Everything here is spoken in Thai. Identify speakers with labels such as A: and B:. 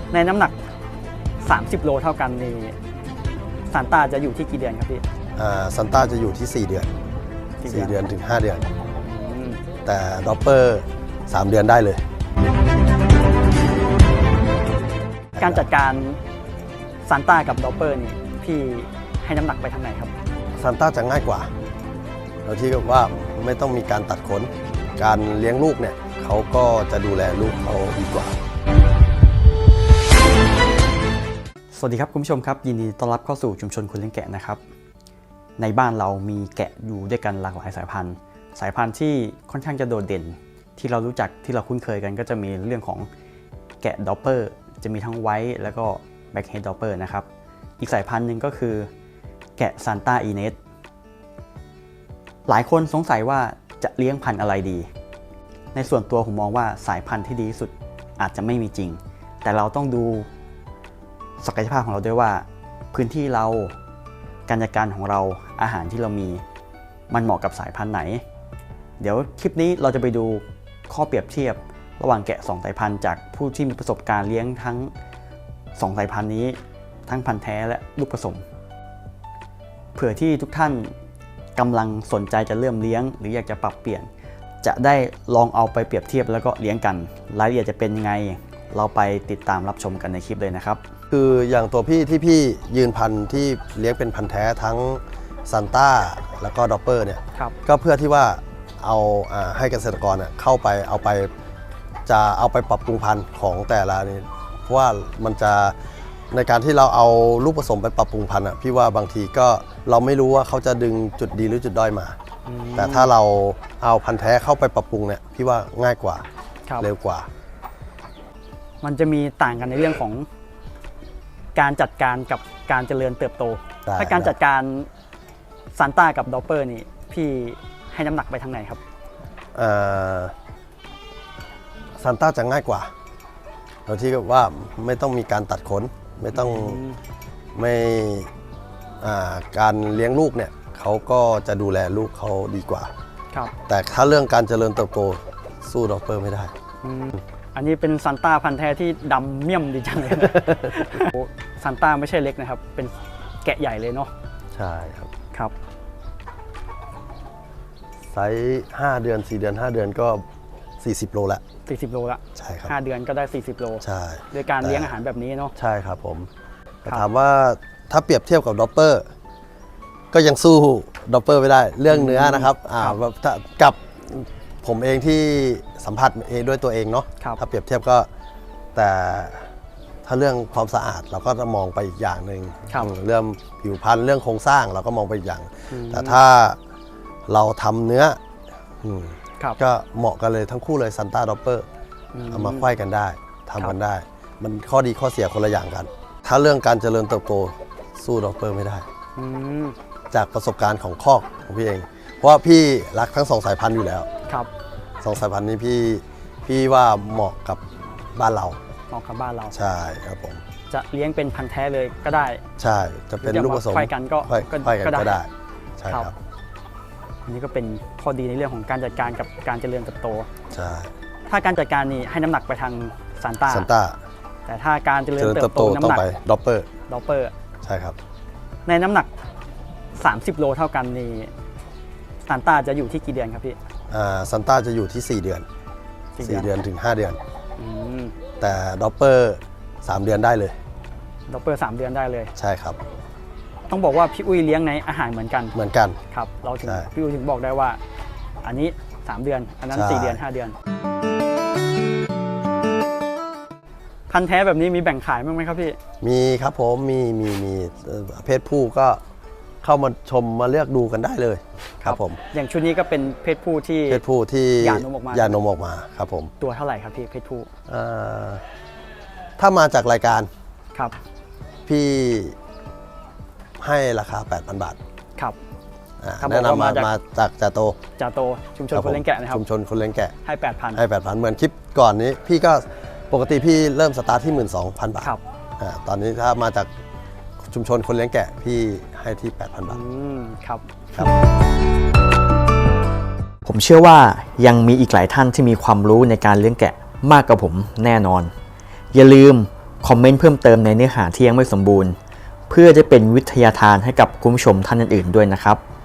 A: ในน้ำหนัก30 โลเท่ากันนี่ซานต้าจะอยู่ที่กี่เดือนครับพี่
B: ซันต้าจะอยู่ที่4 เดือน4 เดือนถึง5 เดือนแต่ดอปเปอร์3 เดือนได้เลย
A: การจัดการซานต้ากับดอปเปอร์นี่พี่ให้น้ำหนักไปทางไหนครับ
B: ซันต้าจะง่ายกว่าโดยที่ว่าไม่ต้องมีการตัดขนการเลี้ยงลูกเนี่ยเขาก็จะดูแลลูกเขาดีกว่า
A: สวัสดีครับคุณผู้ชมครับยินดีต้อนรับเข้าสู่ชุมชนคนเลี้ยงแกะนะครับในบ้านเรามีแกะอยู่ด้วยกันหลากหลายสายพันธุ์ที่ค่อนข้างจะโดดเด่นที่เรารู้จักที่เราคุ้นเคยกันก็จะมีเรื่องของแกะดอปเปอร์จะมีทั้งไวท์แล้วก็แบ็กเฮดดอปเปอร์นะครับอีกสายพันธุ์หนึ่งก็คือแกะซานต้าอีเนสหลายคนสงสัยว่าจะเลี้ยงพันธุ์อะไรดีในส่วนตัวผมมองว่าสายพันธุ์ที่ดีที่สุดอาจจะไม่มีจริงแต่เราต้องดูศักยภาพของเราด้วยว่าพื้นที่เราการจัดการของเราอาหารที่เรามีมันเหมาะกับสายพันธุ์ไหนเดี๋ยวคลิปนี้เราจะไปดูข้อเปรียบเทียบระหว่างแกะ2 สายพันธุ์จากผู้ที่มีประสบการณ์เลี้ยงทั้ง2 สายพันธุ์นี้ทั้งพันธุ์แท้และลูกผสมเผื่อที่ทุกท่านกำลังสนใจจะเริ่มเลี้ยงหรืออยากจะปรับเปลี่ยนจะได้ลองเอาไปเปรียบเทียบแล้วก็เลี้ยงกันรายละเอียดจะเป็นยังไงเราไปติดตามรับชมกันในคลิปเลยนะครับ
B: คืออย่างตัวพี่ที่พี่ยืนพันธุ์ที่เลี้ยงเป็นพันธุ์แท้ทั้งซันต้าแล้วก็ดอปเปอร์เนี่ยก็เพื่อที่ว่าเอาให้เกษตรกรเข้าไปเอาไปปรับปรุงพันธุ์ของแต่ละนี่เพราะว่ามันจะในการที่เราเอาลูกผสมไปปรับปรุงพันธุ์พี่ว่าบางทีก็เราไม่รู้ว่าเขาจะดึงจุดดีหรือจุดด้อยมาแต่ถ้าเราเอาพันธุ์แท้เข้าไปปรับปรุงเนี่ยพี่ว่าง่ายกว่าเร็วกว่า
A: มันจะมีต่างกันในเรื่องของการจัดการกับการเจริญเติบโตถ้าการจัดการซานต้ากับดอปเปอร์นี่พี่ให้น้ำหนักไปทางไหนครับ
B: ซานต้าจะง่ายกว่าโดยที่ว่าไม่ต้องมีการตัดขนไม่ต้องการเลี้ยงลูกเนี่ยเขาก็จะดูแลลูกเขาดีกว่าแต่ถ้าเรื่องการเจริญเติบโตสู้ดอปเปอร์ไม่ได้
A: อันนี้เป็นซานต้าพันธุ์แท้ที่ดำเมี่ยมดีจังเลยนะซานต้าไม่ใช่เล็กนะครับเป็นแกะใหญ่เลยเนาะ
B: ใช่ครับไซส์5 เดือน4 เดือน5 เดือนก็40 โลละ
A: 40 โลละ
B: ใช่ครับ
A: 5 เดือนก็ได้40 โล
B: ใช่
A: โดยการเลี้ยงอาหารแบบนี้เนาะ
B: ใช่ครับผมแต่ถามว่าถ้าเปรียบเทียบกับดอปเปอร์ก็ยังสู้ดอปเปอร์ไม่ได้เรื่องเนื้อนะครับกับผมเองที่สัมผัสเองด้วยตัวเองเนาะถ้าเปรียบเทียบก็แต่ถ้าเรื่องความสะอาดเราก็จะมองไปอีกอย่างหนึ่งเรื่องผิวพรรณเรื่องโครงสร้างเราก็มองไปอีกอย่างแต่ถ้าเราทำเนื้อก็เหมาะกันเลยทั้งคู่เลยซันต้าดอปเปอร์เอามาไขว้กันได้ทำกันได้มันข้อดีข้อเสียคนละอย่างกันถ้าเรื่องการเจริญเติบโตสู้ดอปเปอร์ไม่ได้จากประสบการณ์ของคอกของพี่เองเพราะว่าพี่รักทั้ง2 สายพันธุ์อยู่แล้ว2 สายพันธุ์นี้พี่ว่าเหมาะกับบ้านเรา
A: เหมาะกับบ้านเรา
B: ใช่ครับผม
A: จะเลี้ยงเป็นพันธุ์แท้เลยก็ได้
B: ใช่จะเป็นลูกผสม
A: ไขว้กันก็ได้
B: ใช่ครับ
A: อันนี้ก็เป็นข้อดีในเรื่องของการจัดการกับการเจริญเติบโต
B: ใช่
A: ถ้าการจัดการนี่ให้น้ำหนักไปทางซานต้าแต่ถ้าการเจริญเติบโตน้ำหนัก
B: ดอปเปอร์ใช่ครับ
A: ในน้ำหนัก30 โลเท่ากันนี่ซานต้าจะอยู่ที่กี่เดือนครับพี่
B: ซันต้าจะอยู่ที่4 เดือน4 เดือนถึง5 เดือนแต่ดอปเปอร์3 เดือนได้เลย
A: ดอปเปอร์3 เดือนได้เลย
B: ใช่ครับ
A: ต้องบอกว่าพี่อุ้ยเลี้ยงในอาหารเหมือนกันครับเราถึงพี่อุ้ยถึงบอกได้ว่าอันนี้3 เดือนอันนั้น4 เดือน5 เดือนพันธุ์แท้แบบนี้มีแบ่งขายบ้างไหมครับพี่
B: มีครับผมมีเพศผู้ก็เข้ามาชมมาเลือกดูกันได้เลยครับผม
A: อย่างชุดนี้ก็เป็นเพศผู้ที่หย่านมอ
B: อกมาครับผม
A: ตัวเท่าไหร่ครับพี่เพศผู้
B: ถ้ามาจากรายการ
A: ครับ
B: พี่ให้ราคา 8,000 บาท
A: ครับ
B: แนะนำมาจากจ่าโต
A: ชุมชนคนเลี้ยงแกะนะครับ
B: ชุมชนคนเลี้ยงแกะ
A: ให้ 8,000
B: เหมือนคลิปก่อนนี้พี่ก็ปกติพี่เริ่มสตาร์ทที่ 12,000 บาทตอนนี้ถ้ามาจากชุมชนคนเลี้ยงแกะพี่ให้ที่ 8,000 บาท
A: ครับผมเชื่อว่ายังมีอีกหลายท่านที่มีความรู้ในการเลี้ยงแกะมากกว่าผมแน่นอนอย่าลืมคอมเมนต์เพิ่มเติมในเนื้อหาที่ยังไม่สมบูรณ์เพื่อจะเป็นวิทยาทานให้กับคุณผู้ชมท่านอื่นๆด้วยนะครับ